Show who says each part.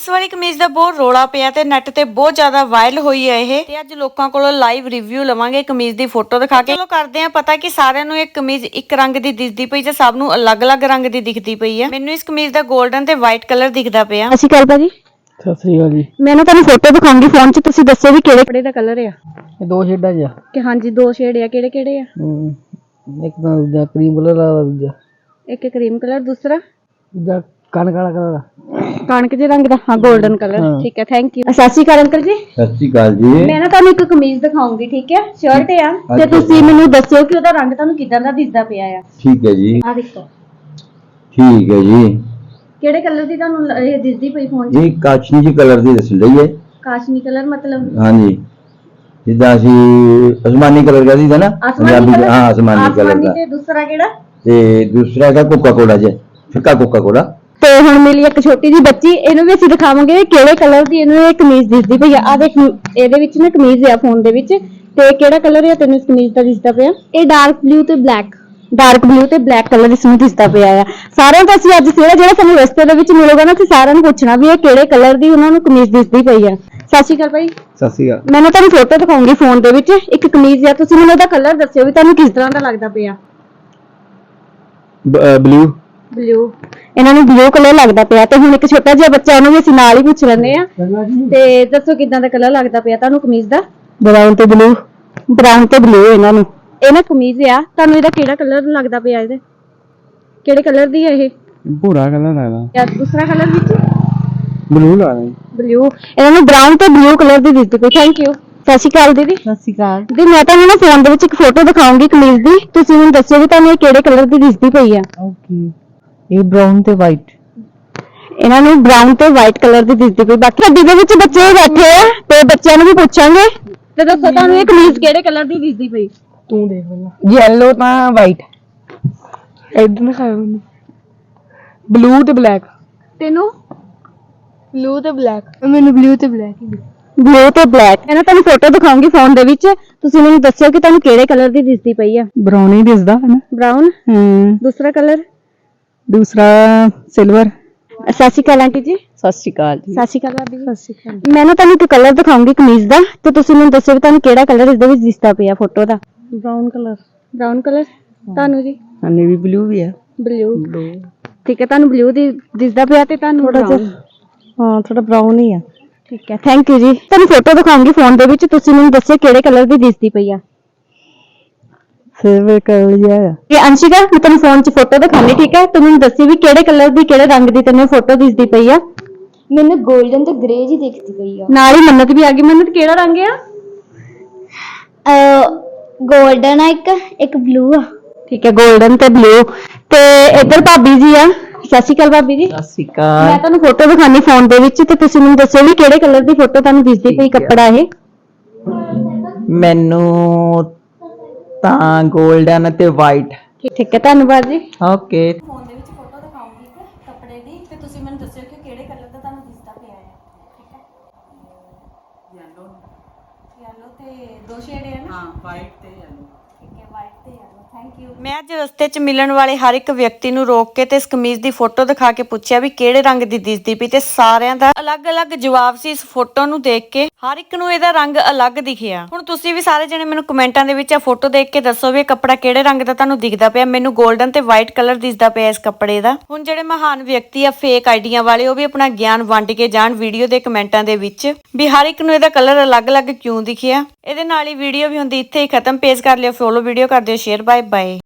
Speaker 1: ਇਸ ਵਾਲੀ ਕਮੀਜ਼ ਦਾ ਬਹੁਤ ਰੋਲਾ ਪਿਆ ਤੇ ਨੈਟ ਤੇ ਬਹੁਤ ਜ਼ਿਆਦਾ ਵਾਇਰਲ ਹੋਈ ਹੈ ਇਹ ਤੇ ਅੱਜ ਲੋਕਾਂ ਕੋਲੋਂ ਲਾਈਵ ਰਿਵਿਊ ਲਵਾਂਗੇ ਕਮੀਜ਼ ਦੀ ਫੋਟੋ ਦਿਖਾ ਕੇ। ਚਲੋ ਕਰਦੇ ਆ ਪਤਾ ਕਿ ਸਾਰਿਆਂ ਨੂੰ ਇਹ ਕਮੀਜ਼ ਇੱਕ ਰੰਗ ਦੀ ਦਿਖਦੀ ਪਈ ਤੇ ਸਭ ਨੂੰ ਅਲੱਗ-ਅਲੱਗ ਰੰਗ ਦੀ ਦਿਖਦੀ ਪਈ ਆ। ਮੈਨੂੰ ਇਸ ਕਮੀਜ਼ ਦਾ 골ਡਨ ਤੇ ਵਾਈਟ ਕਲਰ ਦਿਖਦਾ ਪਿਆ।
Speaker 2: ਅਸੀਂ ਕੱਲ ਭਾਜੀ
Speaker 3: ਸਤਿ ਸ੍ਰੀ ਅਕਾਲ ਜੀ।
Speaker 2: ਮੈਨੂੰ ਤੁਹਾਨੂੰ ਫੋਟੋ ਦਿਖਾਉਂਗੀ ਫੋਨ 'ਚ, ਤੁਸੀਂ ਦੱਸੋ ਵੀ ਕਿਹੜੇ ਕੱਪੜੇ ਦਾ ਕਲਰ ਆ।
Speaker 3: ਇਹ ਦੋ ਸ਼ੇਡਾਂ ਜਿਹਾ
Speaker 2: ਕਿ ਹਾਂਜੀ ਦੋ ਸ਼ੇਡ ਆ, ਕਿਹੜੇ ਕਿਹੜੇ ਆ?
Speaker 3: ਇੱਕ ਤਾਂ ਦੂਜਾ ਕਰੀਮ ਕਲਰ ਦਾ, ਦੂਜਾ
Speaker 2: ਕਰੀਮ ਕਲਰ, ਦੂਸਰਾ
Speaker 3: ਕਣਕ ਵਾਲਾ ਕਲਰ,
Speaker 2: ਕਣਕ ਦੇ ਰੰਗ ਦਾ। ਹਾਂ 골ਡਨ ਕਲਰ, ਠੀਕ ਹੈ, ਥੈਂਕ ਯੂ। ਸਤਿ ਸ਼੍ਰੀ ਅਕਾਲ ਅੰਕਲ ਜੀ।
Speaker 4: ਸਤਿ ਸ਼੍ਰੀ ਅਕਾਲ ਜੀ।
Speaker 2: ਮੈਂ ਨਾ ਤੁਹਾਨੂੰ ਇੱਕ ਕਮੀਜ਼ ਦਿਖਾਉਂਗੀ, ਠੀਕ ਹੈ, ਸ਼ਰਟ ਆ ਤੇ ਤੁਸੀਂ ਮੈਨੂੰ ਦੱਸਿਓ ਕਿ ਉਹਦਾ ਰੰਗ ਤੁਹਾਨੂੰ ਕਿਦਾਂ ਦਾ ਦਿਸਦਾ ਪਿਆ ਆ।
Speaker 4: ਠੀਕ ਹੈ ਜੀ।
Speaker 2: ਆ ਦੇਖੋ,
Speaker 4: ਠੀਕ ਹੈ ਜੀ।
Speaker 2: ਕਿਹੜੇ ਕਲਰ ਦੀ ਤੁਹਾਨੂੰ ਇਹ ਦਿਸਦੀ ਪਈ ਫੋਨ 'ਚ?
Speaker 4: ਇਹ ਕਾਸ਼ਨੀ ਜੀ ਕਲਰ ਦੀ ਦੱਸ ਰਹੀ ਹੈ।
Speaker 2: ਕਾਸ਼ਮੀ ਕਲਰ ਮਤਲਬ?
Speaker 4: ਹਾਂਜੀ, ਜਿੱਦਾਂ ਅਸੀਂ ਅਸਮਾਨੀ ਕਲਰ ਦਾ ਦੀਦਾ ਨਾ ਪੰਜਾਬੀ ਚ। ਹਾਂ, ਅਸਮਾਨੀ ਕਲਰ ਦਾ।
Speaker 2: ਤੇ ਦੂਸਰਾ ਕਿਹੜਾ?
Speaker 4: ਤੇ ਦੂਸਰਾ ਹੈਗਾ ਕੋਕਾ ਕੋਲਾ ਜੀ, ਫਿੱਕਾ ਕੋਕਾ ਕੋਲਾ।
Speaker 2: ਤੇ ਹੁਣ ਮਿਲੀ ਇੱਕ ਛੋਟੀ ਜੀ ਬੱਚੀ, ਇਹਨੂੰ ਵੀ ਅਸੀਂ ਦਿਖਾਵਾਂਗੇ ਕਿਹੜੇ ਕਲਰ ਦੀ ਇਹਨੂੰ ਇਹ ਕਮੀਜ਼ ਦਿਸਦੀ ਪਈ ਆ। ਆ ਦੇਖ, ਇਹਦੇ ਵਿੱਚ ਨਾ ਕਮੀਜ਼ ਆ ਫੋਨ ਦੇ ਵਿੱਚ, ਤੇ ਕਿਹੜਾ ਕਲਰ ਆ ਤੈਨੂੰ ਇਸ ਕਮੀਜ਼ ਦਾ ਦਿਸਦਾ ਪਿਆ? ਇਹ ਡਾਰਕ ਬਲੂ ਤੇ ਬਲੈਕ, ਡਾਰਕ ਬਲੂ ਤੇ ਬਲੈਕ ਕਲਰ ਇਸ ਨੂੰ ਦਿਸਦਾ ਪਿਆ ਆ। ਸਾਰਿਆਂ ਤੋਂ ਅਸੀਂ ਅੱਜ ਜਿਹੜਾ ਸਾਨੂੰ ਰਸਤੇ ਦੇ ਵਿੱਚ ਮਿਲੂਗਾ ਨਾ, ਅਸੀਂ ਸਾਰਿਆਂ ਨੂੰ ਪੁੱਛਣਾ ਵੀ ਇਹ ਕਿਹੜੇ ਕਲਰ ਦੀ ਉਹਨਾਂ ਨੂੰ ਕਮੀਜ਼ ਦਿਸਦੀ ਪਈ ਆ। ਸਤਿ ਸ਼੍ਰੀ ਅਕਾਲ ਭਾਈ।
Speaker 3: ਸਤਿ ਸ੍ਰੀ ਅਕਾਲ।
Speaker 2: ਮੈਂ ਤੁਹਾਨੂੰ ਫੋਟੋ ਦਿਖਾਉਂਗੀ ਫੋਨ ਦੇ ਵਿੱਚ, ਇੱਕ ਕਮੀਜ਼ ਆ, ਤੁਸੀਂ ਮੈਨੂੰ ਉਹਦਾ ਕਲਰ ਦੱਸਿਓ ਵੀ ਤੁਹਾਨੂੰ ਕਿਸ ਤਰ੍ਹਾਂ ਦਾ ਲੱਗਦਾ ਪਿਆ।
Speaker 3: ਬਲੂ
Speaker 2: ਬਲੂ, ਇਹਨਾਂ ਨੂੰ ਬਲੂ ਕਲਰ ਲੱਗਦਾ ਪਿਆ। ਤੇ ਹੁਣ ਇੱਕ ਛੋਟਾ ਜਿਹਾ ਬੱਚਾ, ਉਹਨੂੰ ਵੀ ਅਸੀਂ ਨਾਲ ਹੀ ਪੁੱਛ ਲੈਂਦੇ ਆ। ਤੇ ਦੱਸੋ ਕਿਦਾਂ ਦਾ ਕਲਰ ਲੱਗਦਾ ਪਿਆ ਤੁਹਾਨੂੰ ਕਮੀਜ਼ ਦਾ?
Speaker 3: ਬਰਾਊਨ ਤੇ ਬਲੂ।
Speaker 2: ਬਰਾਊਨ ਤੇ ਬਲੂ ਇਹਨਾਂ ਨੂੰ। ਇਹ ਨਾ ਕਮੀਜ਼ ਆ, ਤੁਹਾਨੂੰ ਇਹਦਾ ਕਿਹੜਾ ਕਲਰ ਲੱਗਦਾ ਪਿਆ? ਇਹਦੇ ਕਿਹੜੇ ਕਲਰ ਦੀ ਹੈ ਇਹ?
Speaker 3: ਭੂਰਾ ਕਲਰ ਲੱਗਦਾ।
Speaker 2: ਜਾਂ ਦੂਸਰਾ ਕਲਰ ਵਿੱਚ
Speaker 3: ਬਲੂ ਲੱਗਦਾ।
Speaker 2: ਬਲੂ, ਇਹਨਾਂ ਨੂੰ ਬਰਾਊਨ ਤੇ ਬਲੂ ਕਲਰ ਦੀ ਦਿਸਦੀ ਪਈ। Thank you. ਸਤਿ ਸ਼੍ਰੀ ਅਕਾਲ ਦੀਦੀ।
Speaker 3: ਸਤਿ ਸ੍ਰੀ ਅਕਾਲ
Speaker 2: ਦੀ, ਮੈਂ ਤੁਹਾਨੂੰ ਨਾ ਫੋਨ ਦੇ ਵਿੱਚ ਇੱਕ ਫੋਟੋ ਦਿਖਾਉਂਗੀ ਕਮੀਜ਼ ਦੀ, ਤੁਸੀਂ ਮੈਨੂੰ ਦੱਸਿਓ ਵੀ ਤੁਹਾਨੂੰ ਇਹ ਕਿਹੜੇ ਕਲਰ ਦੀ ਦਿਸਦੀ ਪਈ ਆ।
Speaker 3: ਓਕੇ, ਇਹ ਬਰਾਊਨ ਤੇ ਵਾਈਟ।
Speaker 2: ਇਹਨਾਂ ਨੂੰ ਬਰਾਊਨ ਤੇ ਵਾਈਟ ਕਲਰ ਦੀ ਦਿਸਦੀ ਪਈ। ਬਾਕੀ ਗੱਡੀ ਦੇ ਵਿੱਚ ਬੱਚੇ ਬੈਠੇ ਆ ਤੇ ਬੱਚਿਆਂ ਨੂੰ ਵੀ ਪੁੱਛਾਂਗੇ। ਤੇ ਦੱਸੋ ਤੁਹਾਨੂੰ ਇਹ ਕਮੀਜ਼ ਕਿਹੜੇ ਕਲਰ ਦੀ ਦਿਸਦੀ ਪਈ?
Speaker 3: ਤੂੰ ਦੇਖ ਲੈ। ਯੈਲੋ ਤਾਂ ਵਾਈਟ। ਇਦਾਂ ਦਿਖਾਓ ਮੈਨੂੰ। ਬਲੂ ਤੇ ਬਲੈਕ।
Speaker 2: ਤੈਨੂੰ?
Speaker 3: ਬਲੂ ਤੇ ਬਲੈਕ। ਮੈਨੂੰ ਬਲੂ ਤੇ ਬਲੈਕ ਹੀ।
Speaker 2: ਬਲੂ ਤੇ ਬਲੈਕ। ਮੈਂ ਨਾ ਤੁਹਾਨੂੰ ਫੋਟੋ ਦਿਖਾਉਂਗੀ ਫੋਨ ਦੇ ਵਿੱਚ, ਤੁਸੀਂ ਮੈਨੂੰ ਦੱਸਿਓ ਕਿ ਤੁਹਾਨੂੰ ਕਿਹੜੇ ਕਲਰ ਦੀ ਦਿਸਦੀ ਪਈ ਆ।
Speaker 3: ਬਰਾਊਨ ਹੀ ਦਿਸਦਾ ਹੈ ਨਾ।
Speaker 2: ਬਰਾਊਨ। ਦੂਸਰਾ ਕਲਰ?
Speaker 3: ਦੂਸਰਾ ਸਿਲਵਰ।
Speaker 2: ਸਤਿ ਸ਼੍ਰੀ ਅਕਾਲ ਆਂਟੀ ਜੀ।
Speaker 3: ਸਤਿ ਸ਼੍ਰੀ ਅਕਾਲ ਜੀ।
Speaker 2: ਸਤਿ ਸ਼੍ਰੀ ਅਕਾਲ ਭਾਬੀ ਜੀ। ਸਤਿ ਸ਼੍ਰੀ ਅਕਾਲ। ਮੈਂ ਨਾ ਤੁਹਾਨੂੰ ਇੱਕ ਕਲਰ ਦਿਖਾਉਂਗੀ ਕਮੀਜ਼ ਦਾ, ਤੇ ਤੁਸੀਂ ਮੈਨੂੰ ਦੱਸਿਓ ਵੀ ਤੁਹਾਨੂੰ ਕਿਹੜਾ ਕਲਰ ਇਸ ਦੇ ਵਿੱਚ ਦਿਸਦਾ ਪਿਆ ਫੋਟੋ ਦਾ।
Speaker 3: Brown colour.
Speaker 2: Brown colour. ਤੁਹਾਨੂੰ ਜੀ?
Speaker 3: ਹਾਂਜੀ, ਵੀ ਬਲੂ ਵੀ ਹੈ।
Speaker 2: ਬਲੂ। ਠੀਕ ਹੈ, ਤੁਹਾਨੂੰ ਬਲੂ ਦੀ ਦਿਸਦਾ ਪਿਆ ਤੇ ਤੁਹਾਨੂੰ
Speaker 3: ਥੋੜਾ ਜਿਹਾ, ਹਾਂ ਥੋੜਾ ਬਰਾਊਨ ਹੀ ਆ।
Speaker 2: ਠੀਕ ਹੈ, ਥੈਂਕ ਯੂ ਜੀ। ਤੁਹਾਨੂੰ ਫੋਟੋ ਦਿਖਾਉਂਗੀ ਫੋਨ ਦੇ ਵਿੱਚ, ਤੁਸੀਂ ਮੈਨੂੰ ਦੱਸਿਓ ਕਿਹੜੇ ਕਲਰ ਦੀ ਦਿਸਦੀ ਪਈ ਆ।
Speaker 3: ਸਿਲਵਰ ਕਲਰ ਜਿਹਾ ਆ।
Speaker 2: ਇਹ ਅੰਸ਼ਿਕਾ, ਮੈਂ ਤੁਹਾਨੂੰ ਫੋਨ 'ਚ ਫੋਟੋ ਦਿਖਾਣੀ, ਠੀਕ ਹੈ, ਤੂੰ ਮੈਨੂੰ ਦੱਸੀ ਵੀ ਕਿਹੜੇ ਕਲਰ ਦੀ, ਕਿਹੜੇ ਰੰਗ ਦੀ ਤੈਨੂੰ ਫੋਟੋ ਦਿਸਦੀ ਪਈ ਆ।
Speaker 5: ਮੈਨੂੰ 골ਡਨ ਤੇ ਗ੍ਰੇ ਜੀ ਦਿਖਦੀ ਪਈ ਆ।
Speaker 2: ਨਾਲ ਹੀ ਮੰਨਤ ਵੀ ਆ ਗਈ। ਮੰਨਤ ਕਿਹੜਾ ਰੰਗ ਆ?
Speaker 5: 골ਡਨ ਆ, ਇੱਕ ਬਲੂ ਆ।
Speaker 2: ਠੀਕ ਹੈ, 골ਡਨ ਤੇ ਬਲੂ। ਤੇ ਇੱਧਰ ਭਾਬੀ ਜੀ ਆ। ਸਤਿ ਸ਼੍ਰੀ ਅਕਾਲ ਭਾਬੀ ਜੀ।
Speaker 3: ਸਤਿ ਸ਼੍ਰੀ
Speaker 2: ਮੈਂ
Speaker 3: ਅਕਾਲ।
Speaker 2: ਤੁਹਾਨੂੰ ਫੋਟੋ ਦਿਖਾਣੀ ਫੋਨ ਦੇ ਵਿੱਚ, ਤੇ ਤੁਸੀਂ ਮੈਨੂੰ ਦੱਸਿਓ ਵੀ ਕਿਹੜੇ ਕਲਰ ਦੀ ਫੋਟੋ ਤੁਹਾਨੂੰ ਦਿਸਦੀ ਪਈ ਕੱਪੜਾ ਇਹ।
Speaker 3: ਮੈਨੂੰ ਤਾਂ 골ਡਨ ਤੇ ਵਾਈਟ।
Speaker 2: ਠੀਕ ਹੈ, ਧੰਨਵਾਦ ਜੀ।
Speaker 3: ਓਕੇ।
Speaker 1: ਫੋਨ ਦੇ ਵਿੱਚ ਫੋਟੋ ਦਿਖਾਉਂਗੀ ਇੱਕ ਕੱਪੜੇ ਦੀ ਤੇ ਤੁਸੀਂ ਮੈਨੂੰ ਦੱਸਿਓ ਕਿ ਕਿਹੜੇ ਕਲਰ ਦਾ ਤੁਹਾਨੂੰ ਦਿਸਦਾ ਪਿਆ ਹੈ। ਠੀਕ ਹੈ, ਯੈਲੋ ਤੇ ਦੋ ਸ਼ੇਡ ਹੈ ਨਾ। ਹਾਂ, ਵਾਈਟ ਤੇ ਯੈਲੋ। ਠੀਕ ਹੈ, ਵਾਈਟ ਤੇ ਯੈਲੋ। Thank you. ਮੈਂ ਅੱਜ ਰਸਤੇ 'ਚ ਮਿਲਣ ਵਾਲੇ ਹਰ ਇੱਕ ਵਿਅਕਤੀ ਨੂੰ ਰੋਕ ਕੇ ਤੇ ਇਸ ਕਮੀਜ਼ ਦੀ ਫੋਟੋ ਦਿਖਾ ਕੇ ਪੁੱਛਿਆ ਵੀ ਕਿਹੜੇ ਰੰਗ ਦੀ ਦਿਸਦੀ ਪਈ, ਤੇ ਸਾਰਿਆਂ ਦਾ ਅਲੱਗ-ਅਲੱਗ ਜਵਾਬ ਸੀ ਇਸ ਫੋਟੋ ਨੂੰ ਦੇਖ ਕੇ। ਹਰ ਇੱਕ ਨੂੰ ਇਹਦਾ ਰੰਗ ਅਲੱਗ ਦਿਖਿਆ। ਹੁਣ ਤੁਸੀਂ ਵੀ ਸਾਰੇ ਜਣੇ ਮੈਨੂੰ ਕਮੈਂਟਾਂ ਦੇ ਵਿੱਚ ਆ ਫੋਟੋ ਦੇਖ ਕੇ ਦੱਸੋ ਵੀ ਇਹ ਕੱਪੜਾ ਕਿਹੜੇ ਰੰਗ ਦਾ ਤੁਹਾਨੂੰ ਦਿਖਦਾ ਪਿਆ। ਮੈਨੂੰ 골ਡਨ ਤੇ ਵਾਈਟ ਕਲਰ ਦਿਸਦਾ ਪਿਆ ਇਸ ਕੱਪੜੇ ਦਾ। ਹੁਣ ਜਿਹੜੇ ਮਹਾਨ ਵਿਅਕਤੀ ਆ ਫੇਕ ਆਈਡੀਆਂ ਵਾਲੇ, ਉਹ ਵੀ ਆਪਣਾ ਗਿਆਨ ਵੰਡ ਕੇ ਜਾਣ ਵੀਡੀਓ ਦੇ ਕਮੈਂਟਾਂ ਦੇ ਵਿੱਚ ਵੀ ਹਰ ਇੱਕ ਨੂੰ ਇਹਦਾ ਕਲਰ ਅਲੱਗ-ਅਲੱਗ ਕਿਉਂ ਦਿਖਿਆ। ਇਹਦੇ ਨਾਲ ਹੀ ਵੀਡੀਓ ਵੀ ਹੁੰਦੀ ਇੱਥੇ ਹੀ ਖਤਮ। ਪੇਜ ਕਰ ਲਿਓ ਫੋਲੋ, ਵੀਡੀਓ ਕਰ ਦਿਓ ਸ਼ੇਅਰ। Bye bye.